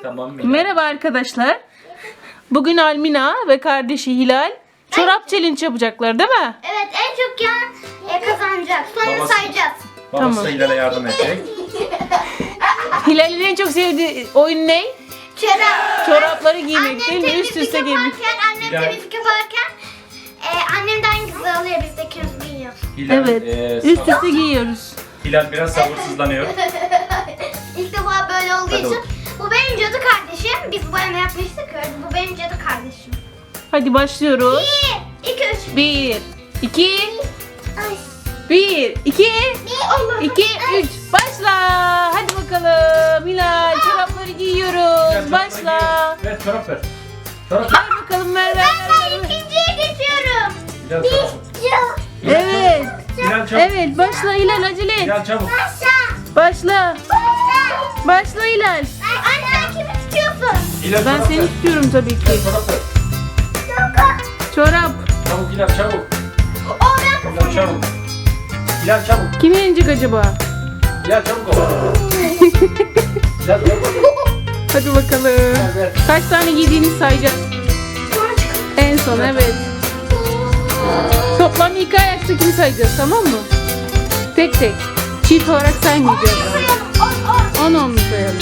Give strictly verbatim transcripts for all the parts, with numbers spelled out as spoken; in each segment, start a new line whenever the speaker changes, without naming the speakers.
Tamam Mila.
Merhaba arkadaşlar. Bugün Almina ve kardeşi Hilal çorap challenge yapacaklar değil mi?
Evet, en çok yan e, kazanacak. Sonra
Babası-
sayacağız.
Babası
Tamam.
da Hilal'e yardım edecek.
Hilal'in en çok sevdiği oyun ne?
Çorap.
Çorapları giymek
Annem
değil mi? Üst
temizlik
üste giymek.
yaparken, annem
Hilal.
temizlik yaparken e, annem de hangisi alıyor, biz de ikimiz giyiyoruz.
Hilal,
Evet.
e,
Üst
sa-
üste giyiyoruz.
Hilal biraz sabırsızlanıyor.
İlk defa böyle olduğu
Hadi
için.
bakalım.
Bu benim cadı kardeşim. Biz boyama yapmıştık. Bu benim cadı kardeşim.
Hadi başlıyoruz.
Bir, iki, üç.
Bir, iki,
Ay.
bir, iki,
Bir, Allah.
iki, üç. Başla. Hadi bakalım. Hilal çorapları
Hilal,
giyiyoruz.
çorapları
Başla.
giy. Ver çorap ver. Çorap ver.
Ver bakalım ver ver.
Ben
ver, ver.
ikinciye geçiyorum.
Hilal çabuk.
Ya.
Hilal
Evet.
çabuk. Hilal çabuk.
Evet başla Hilal acele et.
Hilal çabuk.
Aşağı.
Başla.
Aşağı.
Başla Hilal.
Anne sen kimi tutuyorsun?
Hilal
Ben
çorap
seni
ver.
tutuyorum tabii ki.
Hilal çorap ver.
Çorap.
Çabuk Hilal çabuk.
O ben
Hilal
kazanıyorum.
çabuk. Hilal çabuk.
Kim yenecek acaba?
Hilal çabuk ol. Hilal çabuk.
Hadi bakalım.
Ver ver.
Kaç tane giydiğini sayacağız. En son evet. Toplam ilk ayaktakini sayacağız tamam mı? Tek tek. Çift olarak saymayacağız. On on mu sayalım?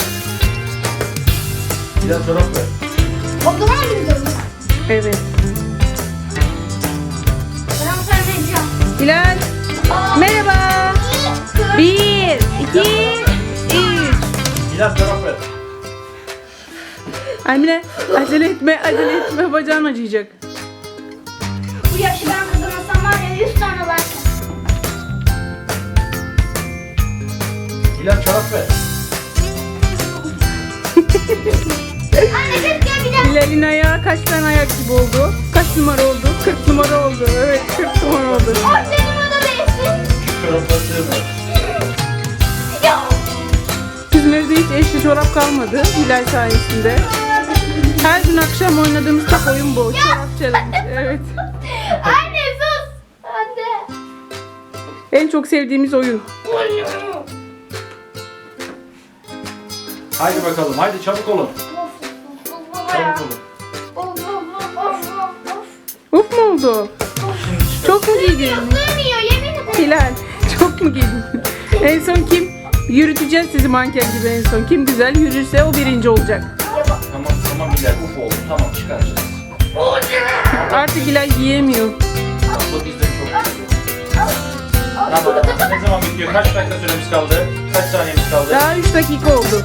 Hilal çorap ver.
O zaman bilmiyorum.
Evet.
Ben sana vereceğim.
Hilal. Merhaba. Bir, iki, üç.
Hilal çorap ver.
Almine acele etme, acele etme. Bacağın acıyacak.
Bu yaşı ben kazanırsam var ya yüz tane var.
Hilal çorap ver.
Anne keşke bir daha.
Hilal'in ayağı kaç tane ayak gibi oldu? Kaç numara oldu? kırk numara oldu. Evet kırk numara oldu.
O benim o da değilsin.
Çorapları sığmıyor.
Ya.
Bizim evde hiç eşli çorap kalmadı Hilal sayesinde. Her gün akşam oynadığımız tek oyun bu. Çorap challenge. Evet.
Anne sus. Anne.
En çok sevdiğimiz oyun.
Haydi bakalım. Haydi çabuk olun. Çabuk olun.
Of of of of of.
Uf mu oldu?
Şimdi çıkar.
Çok mu giydin?
Sığmıyor yemin ederim.
Hilal çok mu giydin? En son kim? Yürüteceğiz sizi manken gibi en son. Kim güzel yürürse o birinci olacak.
Tamam tamam Hilal uf oldu. Tamam çıkaracağız.
Artık Hilal giyemiyor.
Abla bizden çok güzel. Tamam. Ne zaman bitiyor? Kaç dakika süremiz kaldı? Kaç saniyemiz kaldı?
Daha üç dakika oldu.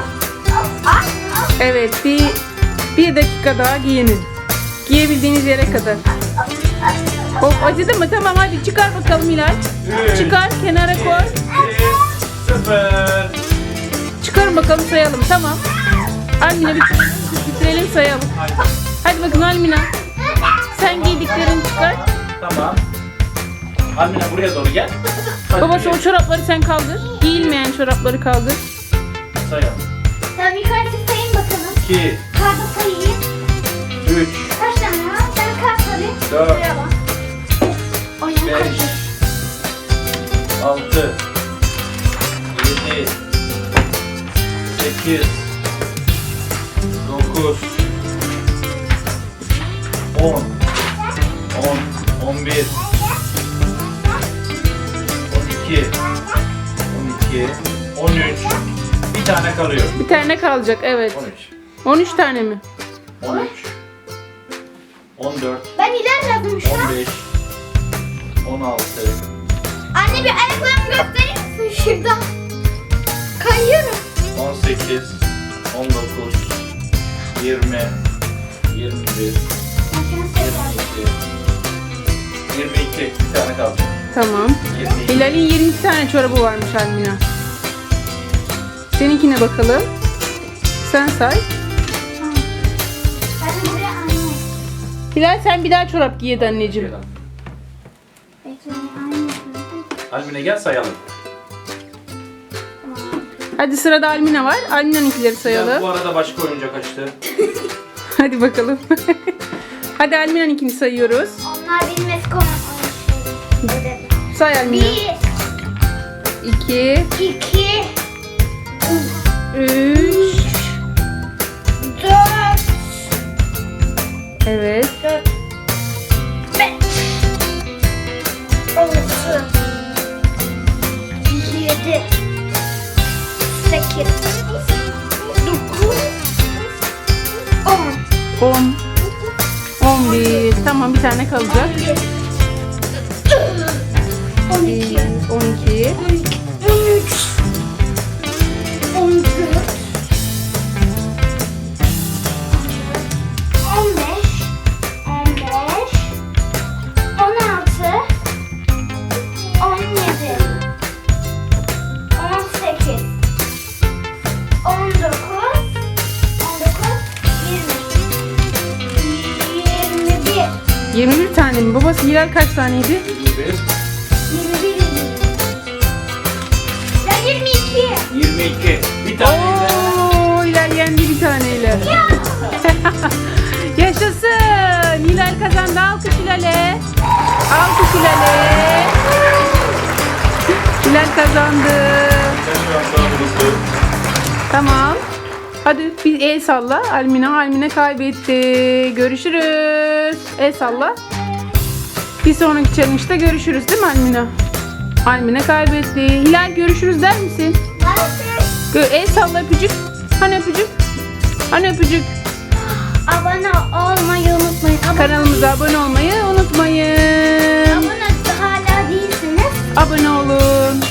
Evet bir, bir dakika daha giyinin. Giyebildiğiniz yere kadar. Of acıdı mı? Tamam hadi çıkar bakalım Hilal.
Üç,
Çıkar kenara koy.
iki, sıfır.
Çıkarın bakalım sayalım tamam. Almina bir bitirelim sayalım.
Haydi.
Hadi bakın Almina. Sen giydiklerini çıkar.
Tamam. Almina buraya doğru gel. Hadi
Babası o
yürü.
çorapları sen kaldır. Giyilmeyen çorapları kaldır.
Sayalım.
Tamam yukarı sayın bakalım.
iki,
Kartı sayayım.
üç,
Kaç tane var? Ben kart alayım.
Dört.
Buraya bak. Ayağım
beş,
kaydı.
altı, yedi, sekiz, dokuz, on, on, on bir, on iki, on iki, on üç. Bir tane kalıyor.
Bir tane kalacak evet.
on üç,
on üç tane mi?
on üç, on dört,
Ben ilerledim şu an.
on beş, on altı,
Anne bir ayaklarımı gösterir misin şurada? Kayıyorum.
on sekiz, on dokuz, yirmi, yirmi bir, yirmi iki, yirmi iki. Bir tane kaldı.
Tamam.
yirmi iki.
Hilal'in yirmi iki tane çorabı varmış Almina. Seninkine bakalım. Sen say.
Hadi buraya anne.
Hilal sen bir daha çorap giy hadi anneciğim.
Bekle anne.
Almine gel sayalım.
Hadi sırada Almina var. Almina'nınkileri
Ya, bu
sayalım.
arada başka oyuncak açtı.
Hadi bakalım. Hadi Almina'nınkini sayıyoruz.
Onlar bilmez konu.
Say Almina.
Bir,
iki,
iki,
üç,
sekiz, dokuz, on.
on. on bir. Tamam, bir tane kalacak.
on iki,
on iki.
on üç, on dört, on beş, on beş, on altı, on yedi, on sekiz, on dokuz, on dokuz, yirmi, yirmi bir,
yirmi bir tane mi? Babası Hilal kaç taneydi?
yirmi bir,
yirmi bir, ya yirmi iki.
yirmi iki. Bir taneyle.
Oo, Hilal yendi bir taneyle. Yaşasın. Hilal kazandı. Alkış Hilal'e. Alkış Hilal'e. Hilal kazandı.
Sen şu an daha mutlu.
Tamam. Hadi bir el salla. Almina, Almina kaybetti. Görüşürüz. El salla. Bir sonraki challenge'da görüşürüz değil mi Almina? Almina kaybetti. Hilal görüşürüz der misin? Gö el salla, öpücük. Hani öpücük? Hani öpücük?
Abone olmayı unutmayın. Abone,
Kanalımıza abone olmayı unutmayın.
abone hala değilsiniz.
Abone olun.